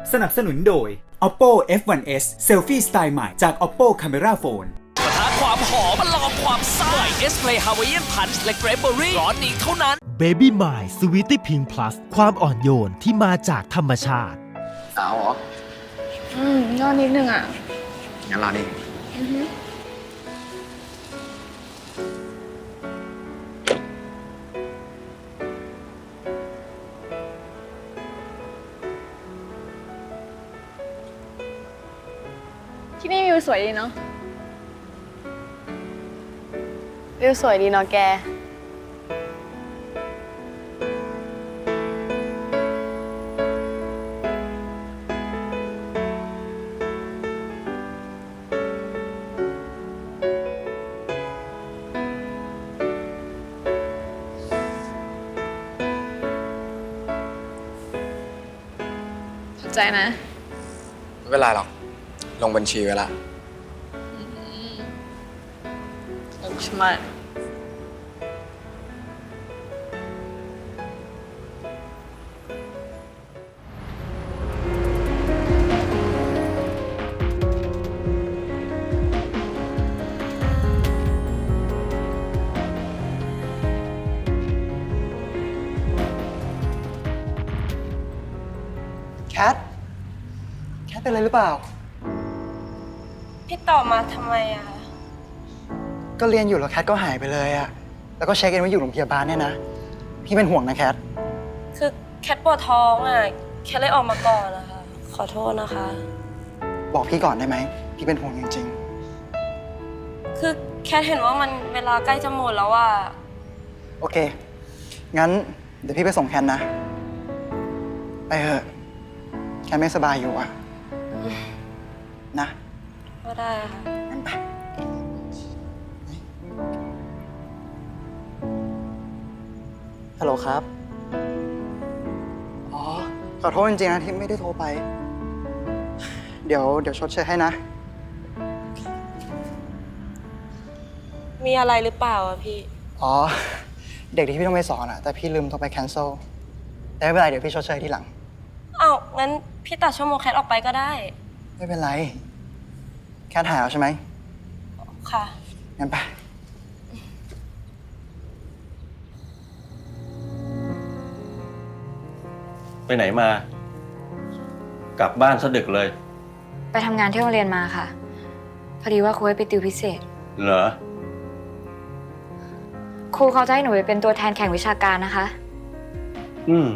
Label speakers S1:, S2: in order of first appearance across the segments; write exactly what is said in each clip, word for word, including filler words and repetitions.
S1: สนับสนุนโดย Oppo เอฟ วัน เอส Selfie สไตล์ใหม่จาก Oppo Camera Phone
S2: ปะทะความหอมมาลองความซ่าเอสเพลย์ฮาวายเอียนพันช์และเกรปเบอรี่ร้อนนี้เท่านั้น
S3: Baby My Sweetie Pink Plus ความอ่อนโยนที่มาจากธรรมชาติ
S4: สาวเหรอ
S5: อืมยอดนิดนึงอ่ะ
S4: งั้นรอนี่
S5: อือฮึที่นี่วิวสวยดีเนาะวิวสวยดีเนาะแกขอบใจนะ
S4: ไม่เป็นไรหรอก ลงบัญชีไว้ละ
S5: ใช่ไหม
S6: แคท แคทเป็นอะไรหรือเปล่า
S7: พี่ตอบมาทำไมอะคะ
S6: ก็เรียนอยู่แล้วแคทก็หายไปเลยอะแล้วก็เช็คเองว่าอยู่โรงพยาบาลเนี่ยนะ พี่เป็นห่วงนะแคท
S7: คือแคทปวดท้องอะแคทเลยออกมาก่อนนะคะ ขอโทษนะคะ
S6: บอกพี่ก่อนได้ไหม พี่เป็นห่วงจริง
S7: คือแคทเห็นว่ามันเวลาใกล้จะหมดแล้วอะ
S6: ๆ โอเค งั้นเดี๋ยวพี่ไปส่งแคทนะ ไปเถอะ แคทไม่สบายอยู่อะนะ
S7: ก็ได้ค่ะ
S6: งั้นไปฮัลโหลครับ อ๋อ ขอโทษจริงๆนะที่ไม่ได้โทรไป เดี๋ยวเดี๋ยวชดเชยให้นะ
S7: มีอะไรหรือเปล่าอะพี่
S6: อ๋อ เด็กที่พี่ต้องไปสอนอะแต่พี่ลืมโทรไป cancel แต่ไม่เป็นไรเดี๋ยวพี่ชดเชยทีหลัง
S7: อ้าวงั้นพี่ตัดชั่วโมงแคทออกไปก็ได้
S6: ไม่เป็นไร แค่ถ่ายเอาใช่ไหม
S7: ค่ะ
S6: งั้นไป
S8: ไปไหนมา กลับบ้านซะดึกเลย
S9: ไปทำงานที่โรงเรียนมาค่ะ พอดีว่าครูให้ไปติวพิเศษ
S8: เหรอ
S9: ครูเขาจะให้หนูไปเป็นตัวแทนแข่งวิชาการนะคะ
S8: อืม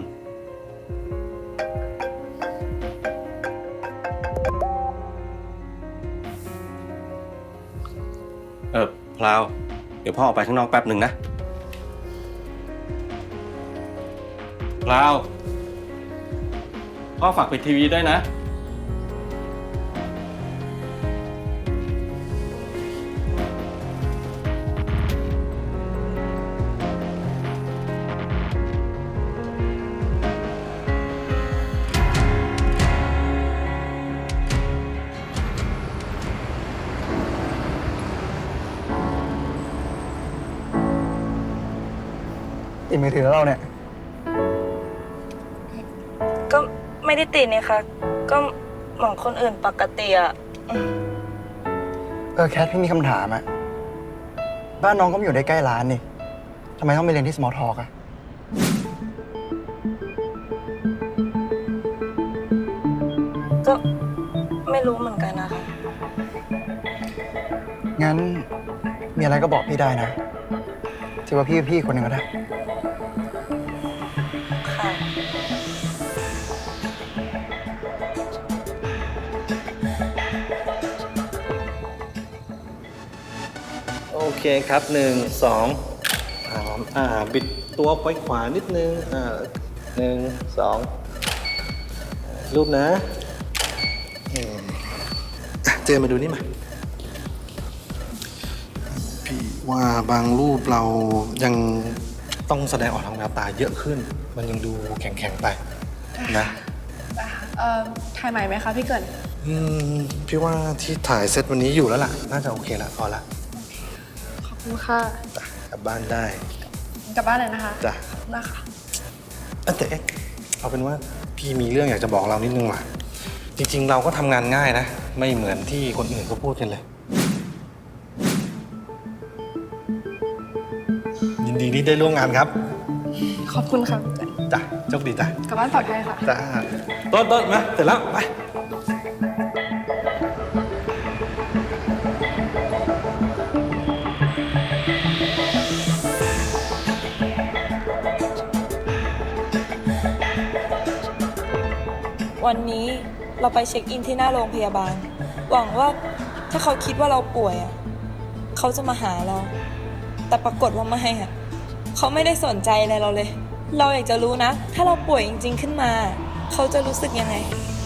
S8: เออพลาว เดี๋ยวพ่อออกไปข้างนอกแป๊บหนึ่งนะ พลาว พ่อฝากปิดทีวีด้วยนะ
S6: ติดมือถือแล้วเราเนี่ย
S7: ก็ไม่ได้ติดนี่ค่ะ ก็เหมือนคนอื่นปกติอะ
S6: เออแคทพี่มีคำถามอะบ้านน้องก็อยู่ได้ใกล้ร้านนี่ทำไมต้องไปเรียนที่ small talk อะ
S7: ก็ไม่รู้เหมือนกันนะคะ
S6: งั้นมีอะไรก็บอกพี่ได้นะถือว่าพี่พี่คนหนึ่งก็ได้
S7: ค่ะ
S10: โอเคครับหนึ่งสองสามอ่าบิดตัวไปขวานิดนึงอ่าหนึ่งสองรูปนะอืมอ่ะเจอมาดูนี่มาพี่ว่าบางรูปเรายังต้องแสดงออกทางแววตาเยอะขึ้น มันยังดูแข็งๆไปนะ
S5: เอ่อถ่ายใหม่ไหมคะพี่เกิด
S10: อืมพี่ว่าที่ถ่ายเซตวันนี้อยู่แล้วล่ะ น่าจะโอเคละพอละ
S5: ขอบคุณค่ะ
S10: จ้ะกลับบ้านได้
S5: กลับบ้านเลยนะคะ
S10: จ้ะ
S5: นะคะ
S10: เอ้ยแต่เอ๊ะเอาเป็นว่าพี่มีเรื่องอยากจะบอกเรานิดนึงว่ะจริงๆ เราก็ทำงานง่ายนะ ไม่เหมือนที่คนอื่นเขาพูดกันเลย ยินดีที่ได้ร่วมงานครับ
S5: ขอบคุณค่ะพี่เกิด
S10: จ้ะโชคดีจ้ะ
S5: กลับบ้านปลอดภัยค่ะ
S10: จ้าต้นต้นมา เสร็จแล้ว ไป
S7: วันนี้เราไปเช็คอินที่หน้าโรงพยาบาล หวังว่าถ้าเขาคิดว่าเราป่วยอ่ะเขาจะมาหาเรา แต่ปรากฏว่าไม่อ่ะเขาไม่ได้สนใจอะไรเราเลย เราอยากจะรู้นะ ถ้าเราป่วยจริงๆขึ้นมา เขาจะรู้สึกยังไง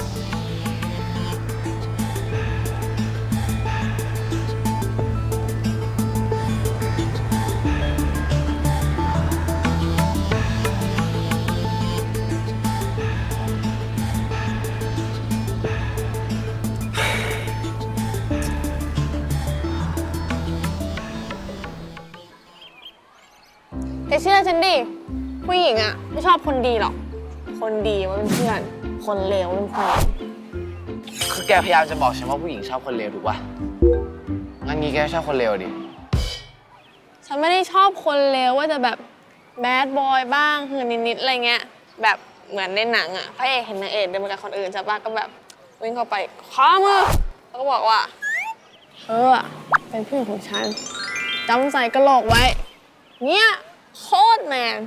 S5: แต่เชื่อฉันดิ ผู้หญิงอะไม่ชอบคนดีหรอก คนดีว่าเป็นเพื่อน คนเลวเป็นแฟน
S4: คือแกพยายามจะบอกฉันว่าผู้หญิงชอบคนเลวถูกป่ะ งั้นงี้แกชอบคนเลวดิ
S5: ฉันไม่ได้ชอบคนเลวว่าจะแบบแบดบอยบ้างคือนิดๆอะไรเงี้ย แบบเหมือนในหนังอะพระเอกเห็นนางเอกเดินมากับคนอื่นใช่ปะก็แบบวิ่งเข้าไปคว้ามือแล้วก็บอกว่าเธออะเป็นเพื่อนของฉันจำใส่กระโหลกไว้เนี่ยโคตรแมน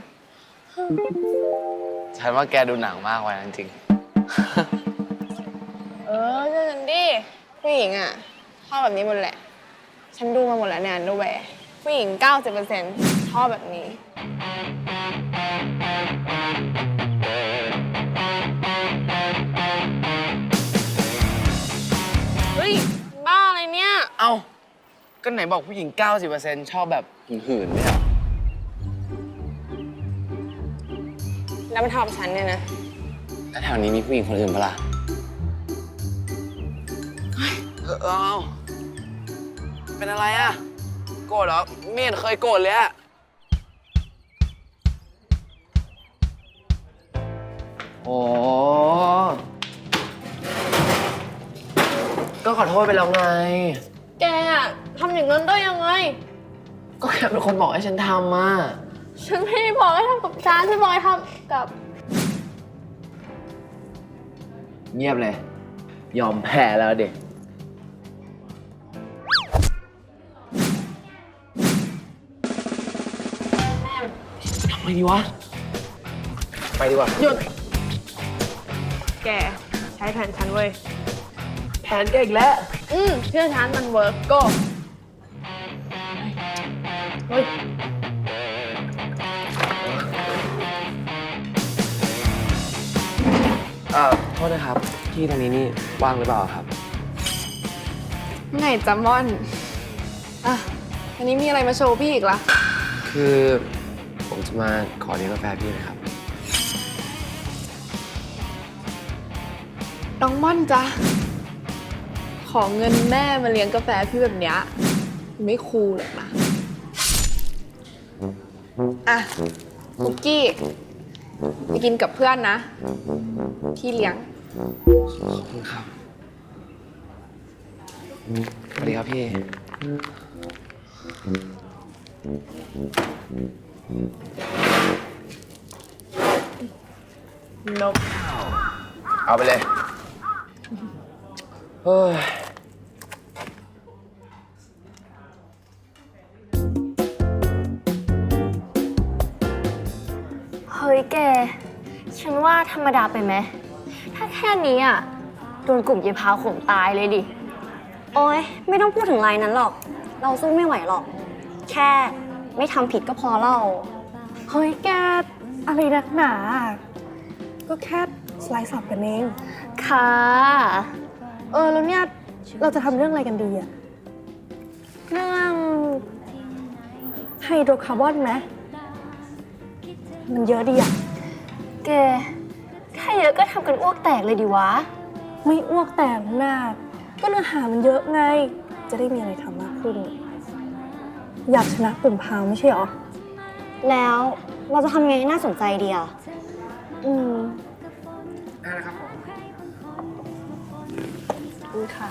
S4: ฉันว่าแกดูหนังมากกว่านั้นจริง
S5: เออเชื่อฉันดิผู้หญิงอ่ะชอบแบบนี้หมดแหละ ฉันดูมาหมดแล้วเนี่ยดูแหวผู้หญิง เก้าสิบเปอร์เซ็นต์ ชอบแบบนี้ เฮ้ย บ้าอะไรเนี่ย
S4: เอ้า ก็ไหนบอกผู้หญิง เก้าสิบเปอร์เซ็นต์ ชอบแบบหื่นๆเนี่ย
S5: แล้วมันทำกับฉันเนี่ยนะ
S4: แล้วแถวนี้มีผู้หญิงคนอื่นปะล่ะเออเอาเป็นอะไรอ่ะ โกรธเหรอไม่เห็นเคยโกรธเลยอ่ะ โอ้ก็ขอโทษไปแล้วไง
S5: แกอะทำอย่างนั้นได้ยังไง
S4: ก็แค่เป็นคนบอกให้ฉันทำอ่ะ
S5: ฉันไม่ได้บอกให้ทำกับฉันฉันบอกให้ทำกับ
S4: เงียบเลย ยอมแพ้แล้วเด็กทำไมดีวะ ไปดีกว่า
S5: หยุด แกใช้แผนฉันเว้ย
S4: แผนแกอีกแล้ว
S5: อืมเชื่อฉันมันเวิร์กก็เฮ้ย
S4: เอ่อ โทษนะครับ ที่ตรงนี้นี่ว่างหรือเปล่าครับ
S5: ไงจัมมอนอ่ะวันนี้มีอะไรมาโชว์พี่อีกล่ะ
S4: คือผมจะมาขอเลี้ยงกาแฟพี่นะครับ
S5: น้องม่อนจ้ะขอเงินแม่มาเลี้ยงกาแฟพี่แบบเนี้ยไม่คูลหรอกนะ อ่ะคุกกี้ไปกินกับเพื่อนนะ พี่เลี้ยง
S4: ขอบคุณครับ สวัสดีครับพี่
S5: นก
S4: เอาไปเลย เฮ้ย
S7: เฮ้ยแก ฉันว่าธรรมดาไปไหม ถ้าแค่นี้อ่ะ โดนกลุ่มเยพาวข่มตายเลยดิ
S11: โอ๊ยไม่ต้องพูดถึงรายนั้นหรอก เราสู้ไม่ไหวหรอก แค่ไม่ทำผิดก็พอเล่า
S5: เฮ้ยแก อะไรนักหนา ก็แค่สไลด์สับกันเอง
S11: ค่ะ
S5: เออ แล้วเนี่ย เราจะทำเรื่องอะไรกันดีอะ
S11: เรื่อง
S5: ไฮโดรคาร์บอนไหมมันเยอะดีอะ
S11: แกถ้าเยอะก็ทำกันอ้วกแตกเลยดิวะ
S5: ไม่อ้วกแตกหน้าก็เนื้อหามันเยอะไง จะได้มีอะไรทำมากขึ้น อยากชนะกลุ่มพาวไม่ใช่หรอ
S11: แล้วเราจะทำไงให้น่าสนใจดีอ่ะ
S5: อืม
S6: ได้แล้วครับผม
S5: คุณค่ะ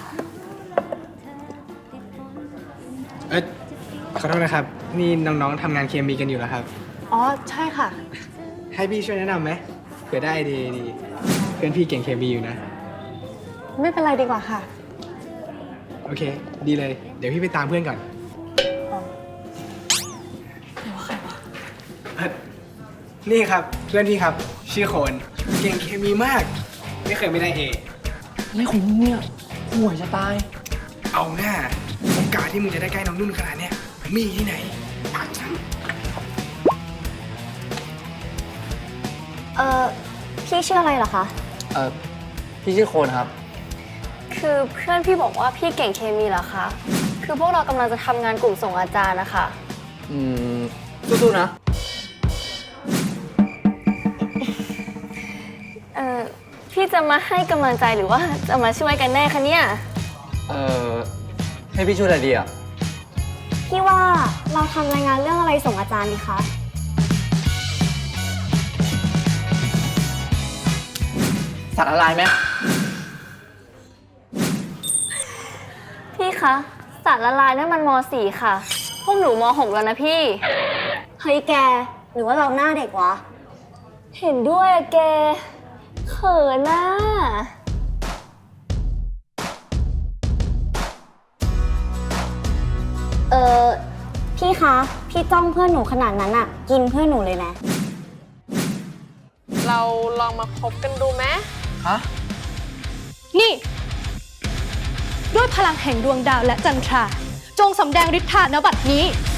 S12: เออขอโทษนะครับ นี่น้องๆทำงานเคมีกันอยู่แล้วครับ
S5: อ๋อ ใช่ค่ะ
S12: ให้พี่ช่วยแนะนำไหมเผื่อได้ไอเดียดีเพื่อนพี่เก่งเคมีอยู่นะ
S5: ไม่เป็นไรดีกว่าค่ะ
S12: โอเค ดีเลย เดี๋ยวพี่ไปตามเพื่อนก่อนเอ่อนี่ครับเพื่อนพี่ครับ ชื่อโคนเก่งเคมีมาก ไม่เคยไม่ได้เอ
S4: นี่ของมึงเนี่ยห่วยจะตาย
S12: เอาหน้าโอกาสที่มึงจะได้ใกล้น้องนุ่นขนาดเนี้ยมีที่ไหนปากฉัน
S11: เออพี่ชื่ออะไรเหรอคะ
S4: เออพี่ชื่อโคนครับ
S11: คือเพื่อนพี่บอกว่าพี่เก่งเคมีเหรอคะ คือพวกเรากำลังจะทำงานกลุ่มส่งอาจารย์นะคะ
S4: อืมสู้ๆนะ
S11: เออพี่จะมาให้กำลังใจหรือว่าจะมาช่วยกันแน่คะเนี่ย
S4: เออให้พี่ช่วยอะไรดีอ่ะ
S11: พี่ว่าเราทำรายงานเรื่องอะไรส่งอาจารย์ดีคะ
S4: สัตว์อะไรไหม
S11: พี่คะสารละลายนั่นมันม .สี่ ค่ะ พวกหนูม .หก แล้วนะพี่ เฮ้ยแก หรือว่าเราหน้าเด็กวะ เห็นด้วยอะแก เขินน่ะเออพี่คะ พี่จ้องเพื่อนหนูขนาดนั้นอะกินเพื่อนหนูเลยนะ
S5: เราลองมาคบกันดูไหม
S4: ฮะ
S13: นี่ ด้วยพลังแห่งดวงดาวและจันทรา จงสำแดงฤทธาณบัดนี้